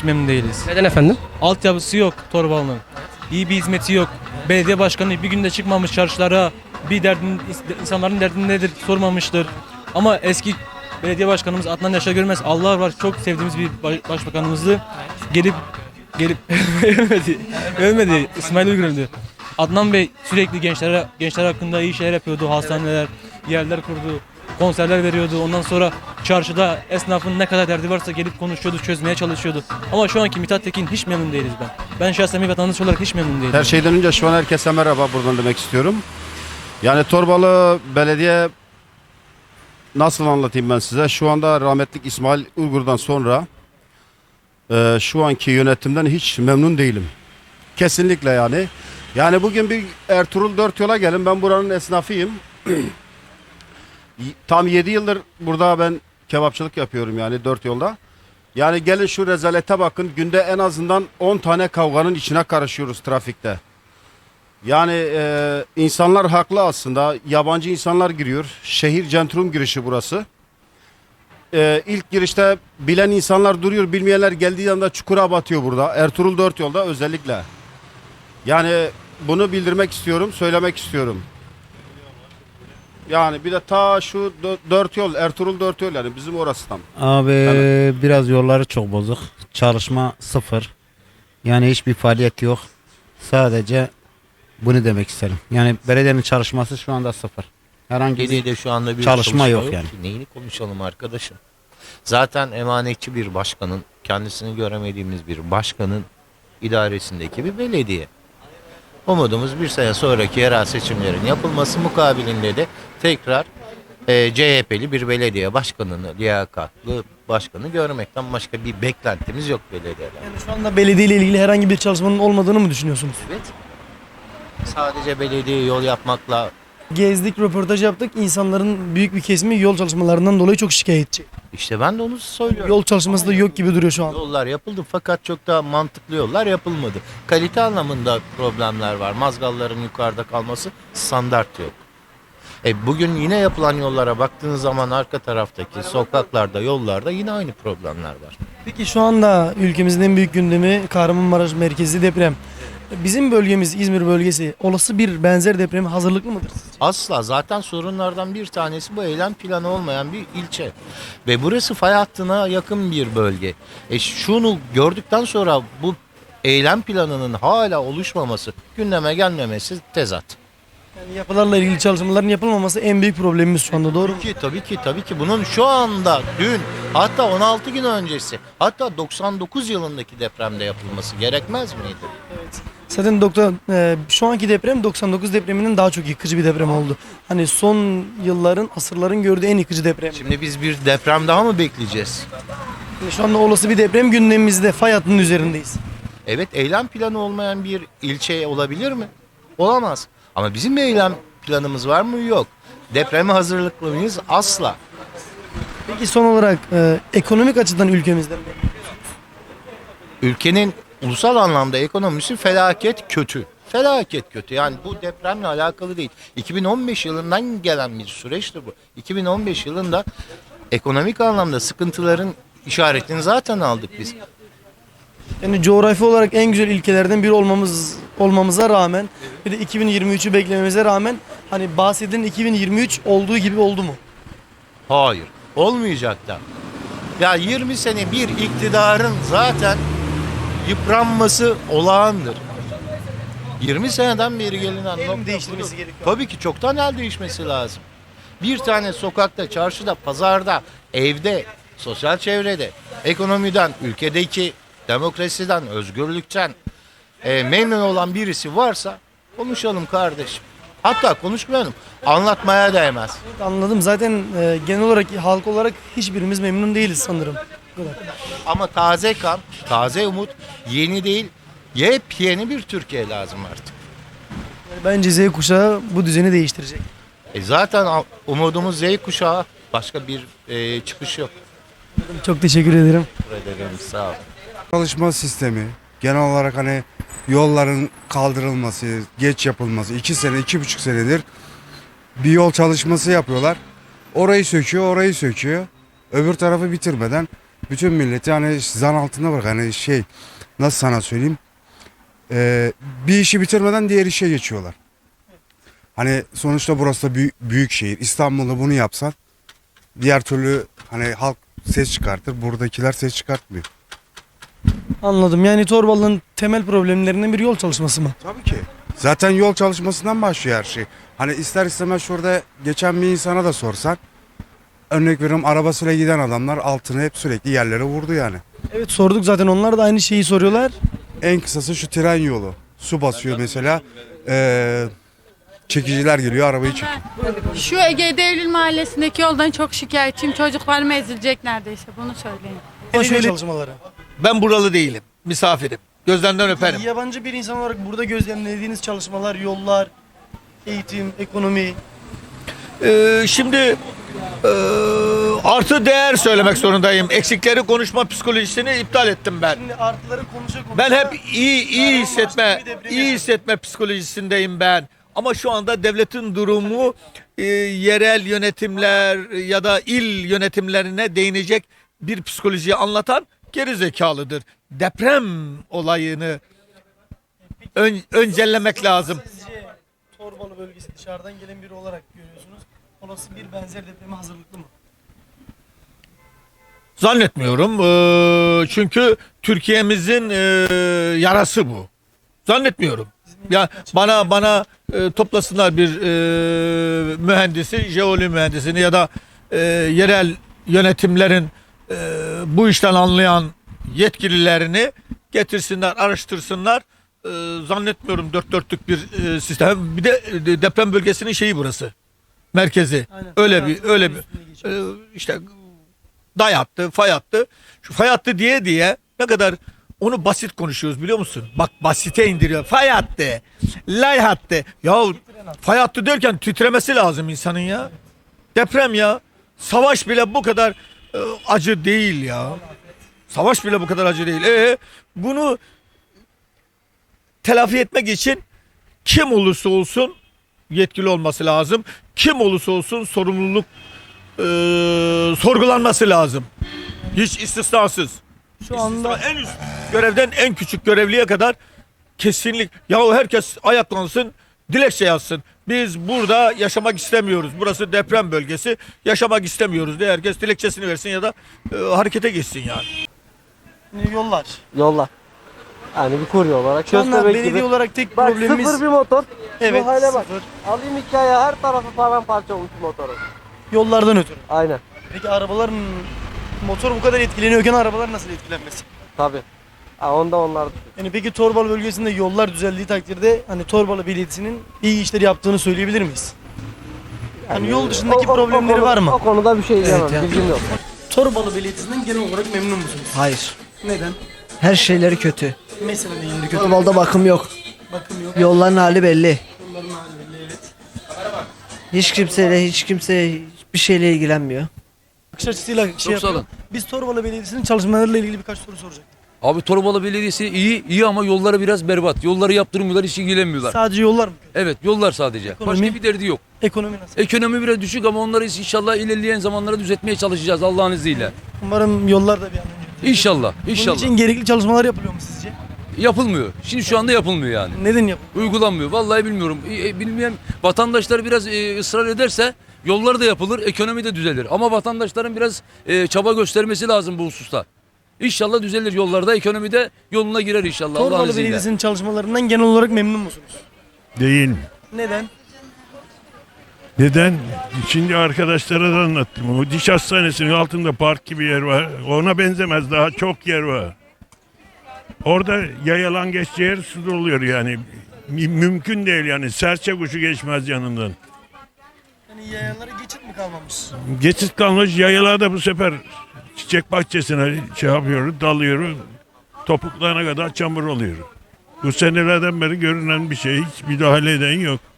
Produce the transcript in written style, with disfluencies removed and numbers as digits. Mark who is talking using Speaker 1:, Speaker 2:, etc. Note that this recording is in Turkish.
Speaker 1: hiç memnun değiliz.
Speaker 2: Neden efendim?
Speaker 1: Altyapısı yok Torbalı'nın. İyi bir hizmeti yok. Belediye başkanı bir günde çıkmamış çarşılara, bir insanların derdini nedir sormamıştır. Ama eski belediye başkanımız Adnan Yaşar Görmez, Allah var, çok sevdiğimiz bir başbakanımızdı. Gelip ölmedi. İsmail Uygur'du. Adnan Bey sürekli gençler hakkında iyi şeyler yapıyordu. Hastaneler, yerler kurdu, konserler veriyordu. Ondan sonra çarşıda esnafın ne kadar derdi varsa gelip konuşuyordu, çözmeye çalışıyordu. Ama şu anki Mithat Tekin hiç memnun değiliz ben. Ben şahsen bir vatandaş olarak hiç memnun değilim.
Speaker 3: Her şeyden önce şu an herkese merhaba buradan demek istiyorum. Yani Torbalı Belediye, nasıl anlatayım ben size? Şu anda rahmetlik İsmail Uygur'dan sonra şu anki yönetimden hiç memnun değilim. Kesinlikle yani. Yani bugün bir Ertuğrul Dört Yol'a gelin. Ben buranın esnafıyım. Tam 7 yıldır burada ben kebapçılık yapıyorum yani Dört Yolda. Yani gelin şu rezalete bakın. Günde en azından 10 tane kavganın içine karışıyoruz trafikte. Yani insanlar haklı aslında. Yabancı insanlar giriyor. Şehir centrum girişi burası. İlk girişte bilen insanlar duruyor. Bilmeyenler geldiği anda çukura batıyor burada. Ertuğrul Dört Yolda özellikle. Yani bunu bildirmek istiyorum, söylemek istiyorum. Yani bir de ta şu Dört Yol, Ertuğrul Dört Yol, yani bizim orası tam.
Speaker 4: Abi
Speaker 3: Yani
Speaker 4: biraz yolları çok bozuk. Çalışma sıfır. Yani hiçbir faaliyet yok. Sadece bunu demek isterim. Yani belediyenin çalışması şu anda sıfır. Herhangi bir
Speaker 5: Belediyede şu anda bir
Speaker 4: çalışma yok yani.
Speaker 5: ki. Neyini konuşalım arkadaşım? Zaten emanetçi bir başkanın, kendisini göremediğimiz bir başkanın idaresindeki bir belediye. Umudumuz bir sene sonraki yerel seçimlerin yapılması mukabilinde de tekrar CHP'li bir belediye başkanını, liyakatlı başkanı görmekten başka bir beklentimiz yok belediyeler.
Speaker 2: Yani şu anda belediye ile ilgili herhangi bir çalışmanın olmadığını mı düşünüyorsunuz?
Speaker 5: Evet. Sadece belediye yol yapmakla
Speaker 2: Gezdik, röportaj yaptık. İnsanların büyük bir kesimi yol çalışmalarından dolayı çok şikayetçi.
Speaker 5: işte ben de onu söylüyorum.
Speaker 2: Yol çalışması da yok gibi duruyor şu an.
Speaker 5: Yollar yapıldı fakat çok da mantıklı yollar yapılmadı. Kalite anlamında problemler var. Mazgalların yukarıda kalması, standart yok. Bugün yine yapılan yollara baktığınız zaman arka taraftaki sokaklarda, yollarda yine aynı problemler var.
Speaker 2: Peki şu anda ülkemizin en büyük gündemi Kahramanmaraş merkezi deprem. Bizim bölgemiz, İzmir bölgesi olası bir benzer depreme hazırlıklı mıdır?
Speaker 5: Asla, zaten sorunlardan bir tanesi bu eylem planı olmayan bir ilçe. Ve burası fay hattına yakın bir bölge. Şunu gördükten sonra bu eylem planının hala oluşmaması, gündeme gelmemesi tezat.
Speaker 2: Yani yapılarla ilgili çalışmaların yapılmaması en büyük problemimiz şu anda, doğru mu?
Speaker 5: Tabii ki bunun şu anda, dün, hatta 16 gün öncesi, hatta 99 yılındaki depremde yapılması gerekmez miydi?
Speaker 2: Zaten şu anki deprem 99 depreminden daha çok yıkıcı bir deprem oldu. Hani son yılların, asırların gördüğü en yıkıcı deprem.
Speaker 5: Şimdi biz bir deprem daha mı bekleyeceğiz?
Speaker 2: Yani şu anda olası bir deprem gündemimizde, fay hattının üzerindeyiz.
Speaker 5: Evet, eylem planı olmayan bir ilçe olabilir mi? Olamaz. Ama bizim bir eylem planımız var mı? Yok. Depreme hazırlıklı mıyız? Asla.
Speaker 2: Peki son olarak ekonomik açıdan ülkemizde
Speaker 5: Ülkenin ulusal anlamda ekonomisi felaket kötü. Felaket kötü. Yani bu depremle alakalı değil. 2015 yılından gelen bir süreçtir bu. 2015 yılında ekonomik anlamda sıkıntıların işaretini zaten aldık biz.
Speaker 2: yani coğrafi olarak en güzel ülkelerden biri olmamıza rağmen bir de 2023'ü beklememize rağmen hani bahsedilen 2023 olduğu gibi oldu mu?
Speaker 5: Hayır. Olmayacak da. Ya 20 sene bir iktidarın zaten yıpranması olağandır. 20 seneden beri gelinen
Speaker 2: El mi
Speaker 5: nokta
Speaker 2: değiştirmesi
Speaker 5: budur.
Speaker 2: gerekiyor?
Speaker 5: Tabii ki çoktan el değişmesi lazım. Bir tane sokakta, çarşıda, pazarda, evde, sosyal çevrede, ekonomiden, ülkedeki demokrasiden, özgürlükten memnun olan birisi varsa konuşalım kardeşim. Hatta konuşmayalım, anlatmaya değmez.
Speaker 2: Anladım. Zaten genel olarak halk olarak hiçbirimiz memnun değiliz sanırım. Bu kadar.
Speaker 5: Ama taze kan, taze umut, yeni değil, yepyeni bir Türkiye lazım artık.
Speaker 2: Bence Z kuşağı bu düzeni değiştirecek.
Speaker 5: Zaten umudumuz Z kuşağı, başka bir çıkış yok.
Speaker 2: Çok teşekkür ederim.
Speaker 5: Teşekkür ederim, sağ olun.
Speaker 6: Çalışma sistemi genel olarak hani yolların kaldırılması, geç yapılması 2 sene, 2,5 senedir bir yol çalışması yapıyorlar. Orayı söküyor, orayı söküyor. Öbür tarafı bitirmeden bütün milleti hani zan altında bırak. Hani şey, nasıl sana söyleyeyim? Bir işi bitirmeden diğer işe geçiyorlar. Hani sonuçta burası da büyük şehir. İstanbul'da bunu yapsan diğer türlü hani halk ses çıkartır. Buradakiler ses çıkartmıyor.
Speaker 2: Anladım. Yani Torbalı'nın temel problemlerinden biri yol çalışması mı?
Speaker 6: Tabii ki. Zaten yol çalışmasından başlıyor her şey. Hani ister istemez şurada geçen bir insana da sorsan, örnek veriyorum, arabasıyla giden adamlar altını hep sürekli yerlere vurdu yani.
Speaker 2: Evet, sorduk zaten, onlar da aynı şeyi soruyorlar.
Speaker 6: En kısası şu tren yolu. Su basıyor mesela. Çekiciler geliyor, arabayı çekiyor.
Speaker 7: Şu Ege Devlil Mahallesi'ndeki yoldan çok şikayetçiyim. Çocuklarım ezilecek neredeyse, bunu söyleyin.
Speaker 2: Belediye çalışmaları.
Speaker 8: Ben buralı değilim. Misafirim. Gözlerinden öperim.
Speaker 2: Yabancı bir insan olarak burada gözlemlediğiniz çalışmalar, yollar, eğitim, ekonomi.
Speaker 8: Şimdi artı değer söylemek zorundayım. Eksikleri konuşma psikolojisini iptal ettim ben.
Speaker 2: Şimdi artıları konuşa.
Speaker 8: Ben hep iyi hissetme psikolojisindeyim ben. Ama şu anda devletin durumu yerel yönetimler ya da il yönetimlerine değinecek bir psikolojiyi anlatan geri zekalıdır. Deprem olayını öncellemek lazım.
Speaker 2: Sizce Torbalı bölgesi dışarıdan gelen biri olarak görüyorsunuz. Olası bir benzer depreme hazırlıklı mı?
Speaker 8: Zannetmiyorum. Çünkü Türkiye'mizin yarası bu. Zannetmiyorum. Ya bana toplasınlar bir mühendisi, jeoloji mühendisini ya da yerel yönetimlerin bu işten anlayan yetkililerini getirsinler, araştırsınlar. Zannetmiyorum dört dörtlük bir sistem. Bir de deprem bölgesinin şeyi burası. Merkezi.
Speaker 2: Aynen.
Speaker 8: Öyle bir işte day hattı, fay hattı. Şu fay hattı diye ne kadar onu basit konuşuyoruz biliyor musun? Bak basite indiriyor. Fay hattı, lay hattı. Ya fay hattı derken titremesi lazım insanın ya. Deprem ya. Savaş bile bu kadar acı değil ya. Savaş bile bu kadar acı değil. Bunu telafi etmek için kim olursa olsun yetkili olması lazım. Kim olursa olsun sorumluluk sorgulanması lazım. Hiç istisnasız.
Speaker 2: Şu anda
Speaker 8: En üst görevden en küçük görevliye kadar kesinlik. Ya herkes ayaklansın, dilekçe yazsın. Biz burada yaşamak istemiyoruz. Burası deprem bölgesi. Yaşamak istemiyoruz diye herkes dilekçesini versin ya da harekete geçsin yani.
Speaker 2: yollar.
Speaker 9: Yollar. Yani bir kurye olarak.
Speaker 2: Şu anda
Speaker 9: Köstebek
Speaker 2: belediye
Speaker 9: gibi.
Speaker 2: olarak tek
Speaker 9: Bak
Speaker 2: problemimiz...
Speaker 9: sıfır bir motor.
Speaker 2: Evet,
Speaker 9: Şu hale bak.
Speaker 2: sıfır.
Speaker 9: Alayım hikaye, her tarafı paramparça olmuş motorun.
Speaker 2: Yollardan ötürü.
Speaker 9: Aynen.
Speaker 2: Peki arabaların, motor bu kadar etkileniyorken arabalar nasıl etkilenmesin?
Speaker 9: Tabii. Onda onlar.
Speaker 2: Yani peki Torbalı bölgesinde yollar düzeldiği takdirde hani Torbalı Belediyesi'nin iyi işler yaptığını söyleyebilir miyiz? Hani yol dışındaki problemleri var mı?
Speaker 9: O konuda bir şey diyemem.
Speaker 10: yani.
Speaker 9: Bilgim yok.
Speaker 2: Torbalı Belediyesi'nden genel olarak memnun musunuz?
Speaker 10: Hayır.
Speaker 2: Neden?
Speaker 10: Her şeyleri kötü.
Speaker 2: Mesela neyin kötü?
Speaker 10: Torbalı'da bakım yok.
Speaker 2: Bakım yok.
Speaker 10: Yolların hali belli.
Speaker 2: Yolların hali belli, evet.
Speaker 10: Hiç kimse hiçbir şeyle ilgilenmiyor.
Speaker 2: Bakış açısıyla şey
Speaker 11: sağ
Speaker 2: yapıyor.
Speaker 11: olun.
Speaker 2: Biz Torbalı Belediyesi'nin çalışmalarıyla ilgili birkaç soru soracaktık.
Speaker 11: Abi Torbalı Belediyesi iyi ama yolları biraz berbat. Yolları yaptırmıyorlar, hiç ilgilenmiyorlar.
Speaker 2: Sadece yollar mı?
Speaker 11: Evet, yollar sadece.
Speaker 2: Ekonomi?
Speaker 11: Başka bir derdi yok.
Speaker 2: Ekonomi nasıl?
Speaker 11: Ekonomi biraz düşük ama onları inşallah ilerleyen zamanlara düzeltmeye çalışacağız Allah'ın izniyle.
Speaker 2: Umarım yollar da bir an önce düzelir.
Speaker 11: İnşallah,
Speaker 2: Bunun
Speaker 11: inşallah.
Speaker 2: için gerekli çalışmalar yapılıyor mu sizce?
Speaker 11: Yapılmıyor. Şimdi şu anda yapılmıyor yani.
Speaker 2: Neden yapılıyor?
Speaker 11: Uygulanmıyor. Vallahi bilmiyorum. Bilmeyen vatandaşlar biraz ısrar ederse yollar da yapılır, ekonomi de düzelir. Ama vatandaşların biraz çaba göstermesi lazım bu hususta. İnşallah düzelir yollarda, ekonomide yoluna girer inşallah Allah'ın
Speaker 2: Torbalı
Speaker 11: izniyle.
Speaker 2: Belediyesi'nin çalışmalarından genel olarak memnun musunuz?
Speaker 12: Değil.
Speaker 2: Neden?
Speaker 12: Neden? Şimdi arkadaşlara da anlattım. O diş hastanesinin altında park gibi yer var. Ona benzemez, daha çok yer var. Orada yayalan geçeceği yer su doluyor yani. Mümkün değil yani. Serçe kuşu geçmez yanından.
Speaker 2: Yani yayalara geçit mi kalmamış?
Speaker 12: Geçit kalmış, yayalar da bu sefer çiçek bahçesine şey yapıyor, dalıyor. Topuklarına kadar çamur oluyor. Bu senelerden beri görünen bir şey. Hiç müdahale eden yok.